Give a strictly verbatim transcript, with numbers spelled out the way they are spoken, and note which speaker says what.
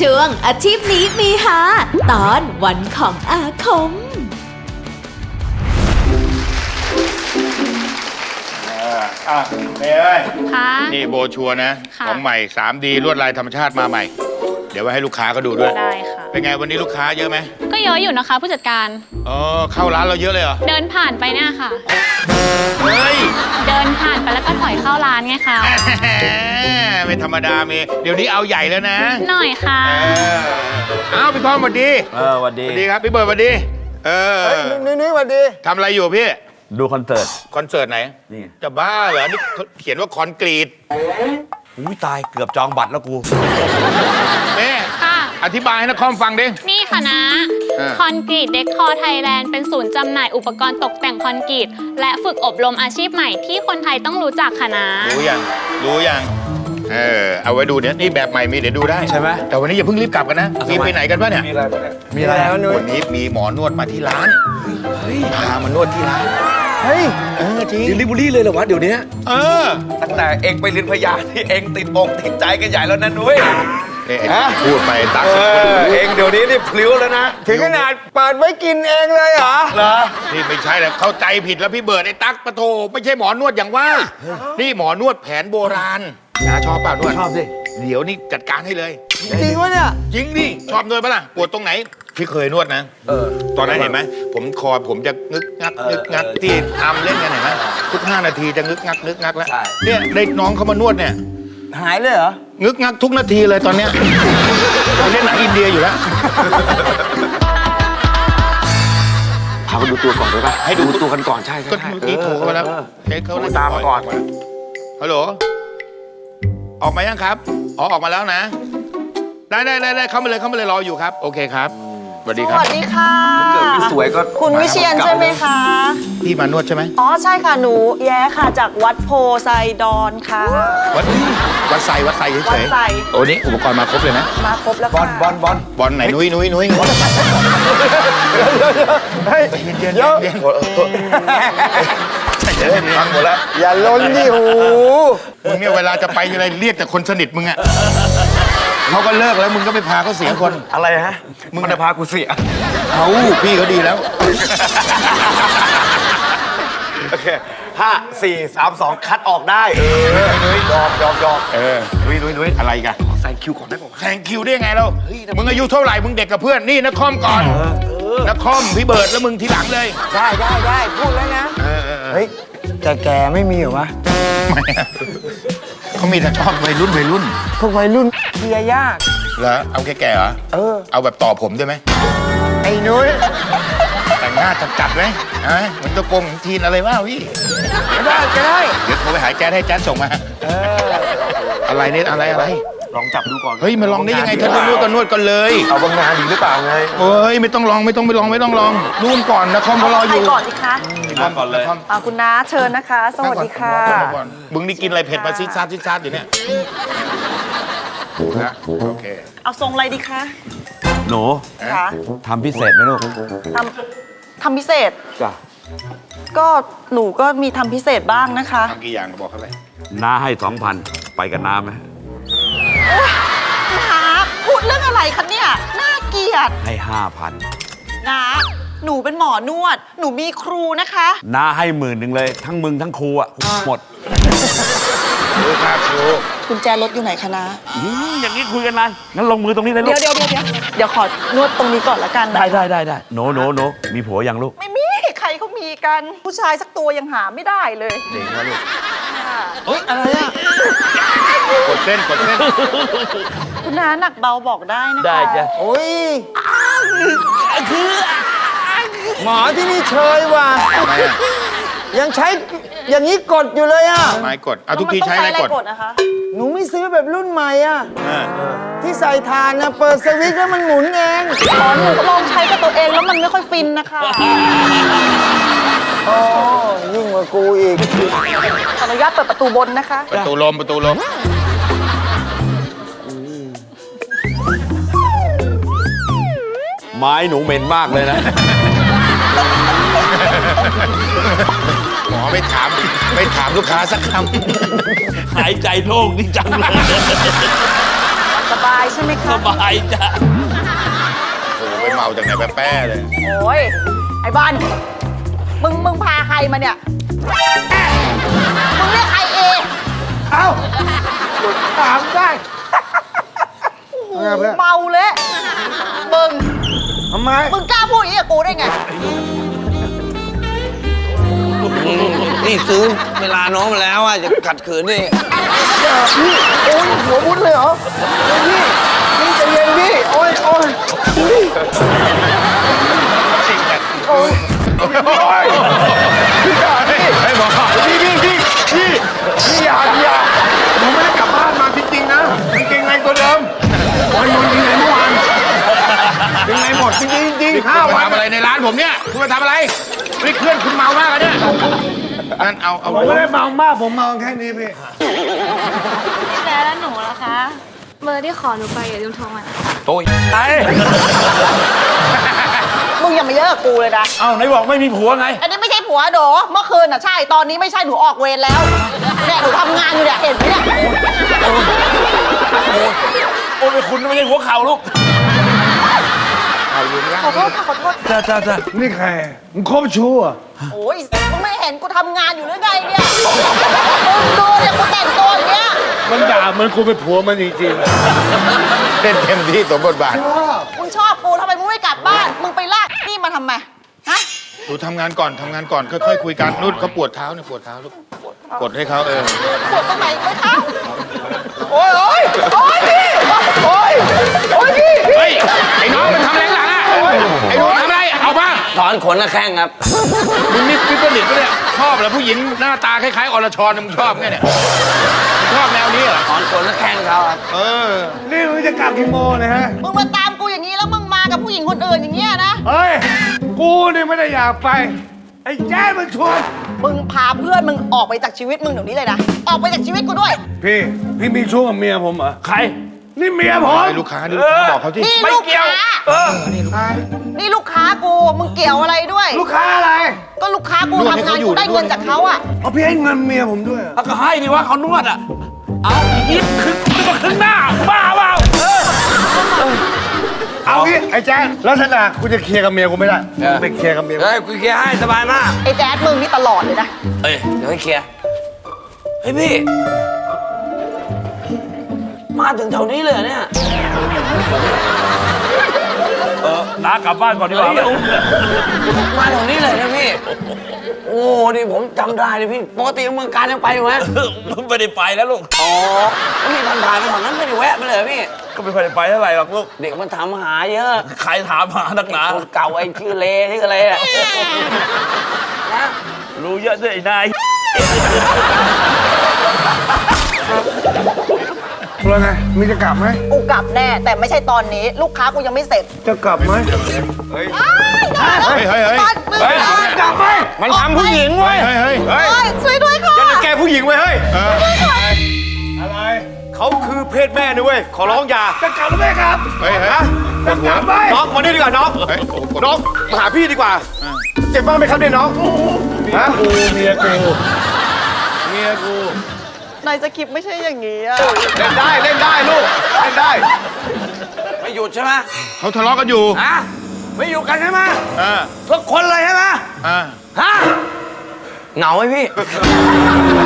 Speaker 1: ช่วงอาชีพนี้มีหาตอนวันของอาคม
Speaker 2: อ่ะเมย์เอ้ย
Speaker 3: ค่ะ
Speaker 2: นี่โบชัวร์นะ
Speaker 3: ค่ะ
Speaker 2: ของใหม่ ทรี ดี ลวดลายธรรมชาติมาใหม่ เดี๋ยวไว้ให้ลูกค้าเขาดูด้วย
Speaker 3: ได้ค่ะ
Speaker 2: เป็นไงวันนี้ลูกค้าเยอะไหม
Speaker 3: ก็เยอะอยู่นะคะผู้จัดการ
Speaker 2: อ๋อเข้าร้านเราเยอะเลยเหรอ
Speaker 3: เดินผ่านไปเนี่ยค่ะ
Speaker 2: เฮ้ย
Speaker 3: เดินผ่านไปแล้วก็ถอยเข้าร้านไงคะ
Speaker 2: ไม่ธรรมดาเมย์เดี๋ยวนี้เอาใหญ่แล้วนะ
Speaker 3: หน่อยค่ะ
Speaker 2: เออเอ้าพี่พร้อมสวัสดี
Speaker 4: เออสวัส
Speaker 2: ส
Speaker 4: ดี
Speaker 2: วัสดีครับพี่เบิร์ดสวัสดีเออ
Speaker 4: นุ้ยนุ้ยสวัสดี
Speaker 2: ทำอะไรอยู่พี่
Speaker 4: ดูคอนเสิร์ต
Speaker 2: คอนเสิร์ตไหน
Speaker 4: นี่
Speaker 2: จะบ้าเหรอนี่เขาเขียนว่าคอนกรีต
Speaker 4: อุ้ยตายเกือบจองบัตรแล้วกู
Speaker 2: เมย์
Speaker 3: ค่ะ
Speaker 2: อธิบายให้นักคอมฟังดิ
Speaker 3: นี่ค่ะนะ
Speaker 2: เออ
Speaker 3: คอนกรีตเด็กคอไทยแลนด์เป็นศูนย์จำหน่ายอุปกรณ์ตกแต่งคอนกรีตและฝึกอบรมอาชีพใหม่ที่คนไทยต้องรู้จักค่ะนะ
Speaker 2: รู้ยังรู้ยังเออเอาไว้ดูเนี่ยนี่แบบใหม่มีเดี๋ยวดูได้
Speaker 4: ใช่ไหม
Speaker 2: แต่วันนี้อย่าเพิ่งรีบกลับกันนะ
Speaker 4: อ่ะ
Speaker 2: มี
Speaker 4: ทำไม
Speaker 2: ไปไหนกันปะเนี่ย
Speaker 4: มีอะไรบ้างเนี่ยมีอะไรวะนุ้ย
Speaker 2: วันนี้มีหมอนวดมาที่ร้านพามานวดที่ร้าน
Speaker 4: เฮ้ย
Speaker 2: เออจริง
Speaker 4: ดิลิเวอรี่เลยเหรอวะเดี๋ยวนี้
Speaker 2: เออ
Speaker 4: ตั้งแต่เองไปเรียนพยาที่เองติดอกติดใจกันใหญ่แล้วนะนุ้ย
Speaker 2: เนี่ยพูดไปตัก
Speaker 4: เออเองเดี๋ยวนี้นี่พลิ้วแล้วนะ
Speaker 5: ถึงขนาดเปิดไว้กินเองเลยเหรอ
Speaker 4: เหรอ
Speaker 2: นี่ไม่ใช่แล้วเข้าใจผิดแล้วพี่เบิร์ดไอ้ตั๊กปะโถไม่ใช่หมอนวดอย่างว่า นี่หมอนวดแผนโบราณนะชอบเปล่านวด
Speaker 4: ชอบสิ
Speaker 2: เดี๋ยวนี่จัดการให้เลย
Speaker 5: จริงวะเนี่ย
Speaker 2: จริงดิชอบนวดปะล่ะปวดตรงไหนพี่เคยนวดนะ
Speaker 4: เออ
Speaker 2: ตอนนั้นเห็นไหมผมคอผมจะงึกงัก
Speaker 4: เออง
Speaker 2: ึกงัก
Speaker 4: เออ
Speaker 2: ที่ทำเล่นกันเห็นไหมทุกห้านาทีจะงึกงักงึกงักแล้ว
Speaker 4: ใช่
Speaker 2: เนี่ยได้น้องเขามานวดเนี่ย
Speaker 5: หายเลยเหรอ
Speaker 2: งึกงักทุกนาทีเลยตอนเนี้ยเขาเล่นหนังอินเดียอยู่แล้ว
Speaker 4: พาไปดูตัวก่อนได้ปะ
Speaker 2: ให้ดู
Speaker 4: ตัวกันก่อนใช่ใช่
Speaker 2: ก็เมื่อกี้โทรเข้ามาแล้ว
Speaker 4: เออ
Speaker 2: เช็คเขา
Speaker 4: โทรตามมาก่อน
Speaker 2: ฮัลโหลออกมายังครับอ๋อออกมาแล้วนะ ได้ได้ได้ได้เข้ามาเลยเข้ามาเลยรออยู่ครับ โอเคครับสวัสดี
Speaker 6: ส
Speaker 2: ครับ
Speaker 6: วัสดีค่ะ
Speaker 4: เกิดไม่สวยก็
Speaker 6: คุณวิเชียนใช่ไหมคะ
Speaker 2: พี่มานวดใช่ไหม
Speaker 6: อ๋อใช่ค่ะหนูแย้ค่ะจากวัดโพไซดอนค่ะ
Speaker 2: วัดวัดไซวัดไซ
Speaker 6: วั
Speaker 2: เฉ
Speaker 6: ด
Speaker 2: ย
Speaker 6: ไซ
Speaker 2: ๆโอ้นี่อุปกรณ์มาครบเลยนะ
Speaker 6: มาครบแล้ว
Speaker 4: บอ
Speaker 6: ค่ะ
Speaker 4: ลบอลบอล
Speaker 2: บอลไหนนุ้ยนุ้ยนุ้ย
Speaker 5: เฮ้ย
Speaker 2: เย็นเย็น
Speaker 5: เดี๋ยว
Speaker 2: เย็นเย็นฟังหมดแล้ว
Speaker 5: อย่าล้นดิหู
Speaker 2: มึงเนี่ยเวลาจะไปอะไรเรียกแต่คนสนิทมึงอะเขาก็เลิกแล้วมึงก็ไปพาเขาเสียคน
Speaker 4: อะไรฮะ
Speaker 2: มึง
Speaker 4: มันจะพากูเสีย
Speaker 2: เอาพี่เขาดีแล้ว
Speaker 4: โอเคห้าสี่สามสองคัดออกได้เออยอมยอมยอม
Speaker 2: เออ
Speaker 4: นุ้ยนุ้ยนุ้ย
Speaker 2: อะไรกัน
Speaker 4: แซงคิวก่อนได้ป่าว
Speaker 2: แซงคิวได้ยังไงเรามึงอายุเท่าไหร่มึงเด็กกับเพื่อนนี่นักคอมก่อนนักคอมพี่เบิร์ดแล้วมึงทีหลังเลย
Speaker 5: ได้ได้ได้พูดแล้วนะ
Speaker 2: เออเออเออ
Speaker 5: เฮ้ยแก่แก่ๆไม่มีเหรอวะ
Speaker 2: เขามีแต่ชอบวัยรุ่นวัยรุ่น
Speaker 5: พวกวัยรุ่นเคลียร์ยาก
Speaker 2: เหรอเอาแก่ๆเหรอ
Speaker 5: เออ
Speaker 2: เอาแบบต่อผมได้ไหม
Speaker 5: ไอ้นุ้ย
Speaker 2: แต่งหน้าจัดๆไหมฮะเหมือนตะโกงของทีนอะไรวะพี่
Speaker 5: ก็ได้ก็ได้
Speaker 2: เดี๋ยวโทรไปหาแจ๊ดให้แจ๊ดส่งมา
Speaker 5: เออ
Speaker 2: อะไรเนี่ยอะไรอะไร
Speaker 4: ลองจับดูก่อน
Speaker 2: เฮ้ยมาลองได้ยังไงถ้าจะนวดก็นวดกันเลย
Speaker 4: เอาบางงานดีหรือเปล่าไง
Speaker 2: เฮ้ยไม่ต้องลองไม่ต้องไปลองไม่ต้องลองนู่นก่อนนะคอมเขารออ
Speaker 6: ใคร
Speaker 2: ยู่
Speaker 6: ก่อนดีคะ
Speaker 4: มาก่อนเลย
Speaker 6: อ่าคุณน้าเชิญนะคะ สวัสดีค่ะ
Speaker 2: นั่งก่อนมึงนี่กินอะไรเผ็ดมาซิดซาดซิดซาดอยู่เนี่ยนะโอเค
Speaker 6: เอาทรงอะไรดีคะ
Speaker 4: หนู
Speaker 6: คะ
Speaker 4: ทำพิเศษไหมลูก
Speaker 6: ทำทำพิเศษ
Speaker 4: จ้ะ
Speaker 6: ก็หนูก็มีทำพิเศษบ้างนะคะ
Speaker 2: ทำกี่อย่างบอกเขาไป
Speaker 4: น้าให้สองพันไปกับน้าไหม
Speaker 6: น้าพูดเรื่องอะไรคะเนี่ยน่าเกลียด
Speaker 4: ให้ห้าพัน
Speaker 6: น้าหนูเป็นหมอนวด หนูมีครูนะคะ
Speaker 4: น้าให้หมื่นหนึ่งเลย ทั้งมึงทั้งครูอ่ะหมด
Speaker 2: ดูครับดู
Speaker 6: กุญแจรถอยู่ไหนคะน้า
Speaker 4: อืมอย่างนี้คุยกันนานงั้นลงมือตรงนี้เลยลู
Speaker 6: เดี๋ย
Speaker 4: ก
Speaker 6: วเดี๋ยวเดี๋ยวเดี๋ยวเดี๋ยวขอนวดตรงนี้ก่อนละกันนะ
Speaker 4: ได้ได้ได้ได้โหนโหนโหนมีผัวยังลูก
Speaker 6: ไม่มีใครเขามีกัน ผู้ชายสักตัวยังหาไม่ได้เลย
Speaker 4: เจ๋งวะลูก
Speaker 6: ค่ะ
Speaker 5: เฮ้ยอะไรอ่ะ
Speaker 2: กดเส้นกดเส้น
Speaker 6: คุณน้าหนักเบาบอกได้นะคะ
Speaker 4: ได้จ้ะ
Speaker 5: โอ้ยหมอที่นี่เชยว่ะ
Speaker 2: ทำไมอ่ะ
Speaker 5: ยังใช้อย่างนี้กดอยู่เลยอ่ะ
Speaker 2: ไม้กดเอาทุกทีใช้อะไรกด
Speaker 6: กดนะคะ
Speaker 5: หนูไม่ซื้อแบบรุ่นใหม่อ่ะ
Speaker 2: อ่า
Speaker 5: ที่ใส่ทานนะเปิดสวิตช์แล้วมันหมุนเอง
Speaker 6: อ๋อหนูก็ลองใช้กับตัวเองแล้วมันไม่ค่อยฟินนะคะ
Speaker 5: โอ้ยิ่งกว่ากูอีก
Speaker 6: ขออนุญาตเปิดประตูบนนะคะ
Speaker 2: ประตูลมประตูลม
Speaker 4: ไม้หนูเหม็นมากเลยนะ
Speaker 2: หมอไม่ถามไม่ถามลูกค้าสักค
Speaker 4: หายใจโล่งนี่จังเลย
Speaker 6: สสบายใช่ไหมคะ
Speaker 7: สบายจ้ะ
Speaker 2: โอ้โหไปเมาจากไหนแป๊ะๆเลย
Speaker 6: โอ้ย ไอ้บอล มึง มึงพาใครมาเนี่ย มึงเรียกใครเอง
Speaker 5: เอ้าถามได้
Speaker 6: โอ้โหเมาเละมึง
Speaker 5: ทำไม
Speaker 6: มึงกล้าพูดอย่างนี้กับกูได้ไง
Speaker 7: นี่ซื้อเวลาน้องมาแล้วอ่ะจะขัดขืนดิ
Speaker 5: พี่โอ้ยหัวมุดเลยเหรอพี่พี่ใจเย็นพี่ โอ้ยโอ้ยพี่โอ้ย
Speaker 2: ไอ้หมอพี่พี่พี่พี่พี่อย่าอย่าผมไม่ได้กลับบ้านมาจริงๆนะกางเกงในตัวเดิมวันนอนที่ไหนเมื่อวานเป็นไงหมดจริงๆจริงๆห้าวันทำอะไรในร้านผมเนี่ยคุณมาทำอะไรนี่เพื่อนคุณเมามากเลยเนี่ยงั้นเอาเอา
Speaker 5: ผมไม่ได้เมามาก ผมเมาแค่นี้พี่
Speaker 3: พี่แจ๊แล้วหนูล่ะคะ เบอร์ที่ขอหนูไปอย่าลืมโทรมานะคะ
Speaker 7: โอ้ยไอ้
Speaker 6: มึงอย่ามาเยอะกับกูเลยนะ
Speaker 7: เอ้าไหนบอกไม่มีผัวไง
Speaker 6: อันนี้ไม่ใช่ผัวโดเมื่อคืนน่ะใช่ ตอนนี้ไม่ใช่หนูออกเวรแล้วเนี่ยหนูทำงานอยู่เนี่ยเห็นไหมเนี่ย
Speaker 7: โอ้ยคุณไม่ใช่หัวเข่าลูก
Speaker 6: ขอโทษค่ะขอโทษ
Speaker 7: จ้าจ้าจ้า
Speaker 5: นี่ใคร มึงคบชู้อ่ะ
Speaker 6: โอ้ยมึงไม่เห็นกูทำงานอยู่หรือไงเนี่ยมึงดูเนี่ยกูแต่งตัวอย่างเงี้ย
Speaker 5: มันด่าเหมันกูเป็นผัวมันจริง
Speaker 2: เล่นเต็มที่สมบทบาท
Speaker 6: มึงชอบกูทำไมมึงไม่กลับบ้าน มึงไปลากนี่มาทำไม ฮะ
Speaker 2: หนูทำงานก่อนทำงานก่อนค่อยๆคุยกันนุ่นเขาปวดเท้าเนี่ยปวดเท้าลูกกดให้เขาเออ
Speaker 6: ปวดตรงไหนไปเท้าโอ้ยโอ้ยโอ้ยพี่โอ้ยโอ้ยพี่
Speaker 2: เฮ้ยไอ้น้องมันทำอะไรข้างหลังอ่ะไอ้หนูทำอะไรเอามา
Speaker 7: ถอนขนละแข้งครับ
Speaker 2: มึงนี่ฟิปเปอร์ลิตปะเนี่ยชอบเหรอผู้หญิงหน้าตาคล้ายๆอรชรมึงชอบไงเนี่ยชอบแนวนี้เหรอ
Speaker 7: ถอนขนละแข้งเขาครับ
Speaker 2: เออ
Speaker 5: ๆ นี่มึงจะกลับกี่โมงเนะฮะ
Speaker 6: มึงมาตามกูอย่างนี้แล้วมึงมากับผู้หญิงคนอื่นอย่างเงี้ยนะ
Speaker 5: เฮ้ย กูนี่ไม่ได้อยากไป ไอ้แจ๊ดมันชวน
Speaker 6: มึงพาเพื่อนมึงออกไปจากชีวิตมึงเดี๋ยวนี้เลยนะ ออกไปจากชีวิตกูด้วย
Speaker 5: พี่ พี่มีชู้กับเมียผมเหรอ
Speaker 7: ใคร
Speaker 5: นี่เมียผม
Speaker 2: ไอ้ลูกค้านี่ลูกค้าบอกเขาที่
Speaker 6: นี่
Speaker 7: ไม่
Speaker 6: ลูก
Speaker 7: เกี่ยว
Speaker 6: ค้า
Speaker 7: เออ
Speaker 6: นี่ลูกค้ากู มึงเกี่ยวอะไรด้วย
Speaker 5: ลูกค้าอะไร
Speaker 6: ก็ลูกค้ากูทำงานกูได้เงินจากเขาอะ
Speaker 5: เอาพี่ให้เงินเมียผมด้วยเหรอ
Speaker 7: เอาก็ให้ดิว่าเขานวดอ่ะ เอาอีกครึ่งนึกว่าครึ่งหน้า บ้าเปล่าเออ
Speaker 5: เอางี้ไอ้แจ๊ดลักษณะกูจะเคลียร์กับเมียกูไม่ได้ไปเคลียร์กับเมียกู
Speaker 7: เฮ้ยกูเคลียร์ให้สบายมาก
Speaker 6: ไอ้แจ๊ดมึงนี่ตลอดเลยนะ
Speaker 7: เอ้ยเดี๋ยวให้เคลียร์ เฮ้ยพี่ มาถึงแถวนี้เลยเหรอเนี่ย เออน้ากลับบ้านก่อนดีกว่ามาแถวนี้เลยนะพี่ โอ้นี่ผมจำได้เลยพี่ ปกติเมืองการยังไปอยู่ไหมไม่ได้ไปแล้วลูก อ๋อแล้วมีผ่านผ่านๆไปแถวนั้นไม่ได้แวะไปเลยเหรอพี่ ก็ไม่ค่อยได้ไปเท่าไหร่หรอกลูก เด็กมันถามหาเยอะ ใครถามหานักหนาคนเก่าไอ้ชื่อเลชื่ออะไรอะนะ รู้เยอะด้วยไอ้นาย
Speaker 5: แล้วไงมีจะกลับไหม
Speaker 6: กูกลับแน่ แต่ไม่ใช่ตอนนี้ ลูกค้ากูยังไม่เสร็จ
Speaker 5: จะกลับไหม
Speaker 2: เฮ้ยเฮ้ยเฮ้ย
Speaker 6: ตอนมึง
Speaker 2: เฮ้ย
Speaker 5: กลับไหม
Speaker 2: มันทำผู้หญิงเว้ยเฮ้ยเฮ้ย
Speaker 6: เฮ้ยช่วยด้วยค่ะ
Speaker 4: แกผู้หญิงไว้เฮ้ย
Speaker 2: เออ
Speaker 5: อะไร
Speaker 4: เขาคือเพศแม่นะเว้ย ขอร้องอย่า
Speaker 5: จะกลับหรือไม่กลับ
Speaker 2: เฮ้ยเฮ้ย
Speaker 5: จะกลับไหม
Speaker 4: น้องมานี่ดีกว่าน้อง
Speaker 2: เฮ้ยโอ้โห
Speaker 4: น้องมาหาพี่ดีกว่า เจ็บบ้างไหมครับเนี่ยน้อง
Speaker 5: ฮะกูเมียกูเมียกู
Speaker 6: ในสคริปต์ไม่ใช่อย่างนี้อะ
Speaker 4: เล่นได้เล่นได้ลูก เล่นได้
Speaker 7: ไม่หยุดใช่ไหม
Speaker 2: เขาทะเลาะกันอยู่
Speaker 7: ฮะ ไม่อยู่กันใช่ไหม
Speaker 2: อ่า
Speaker 7: ทุกคนเลยใช่ไหม
Speaker 2: อ่า
Speaker 7: ฮะ เหงาไหมพี่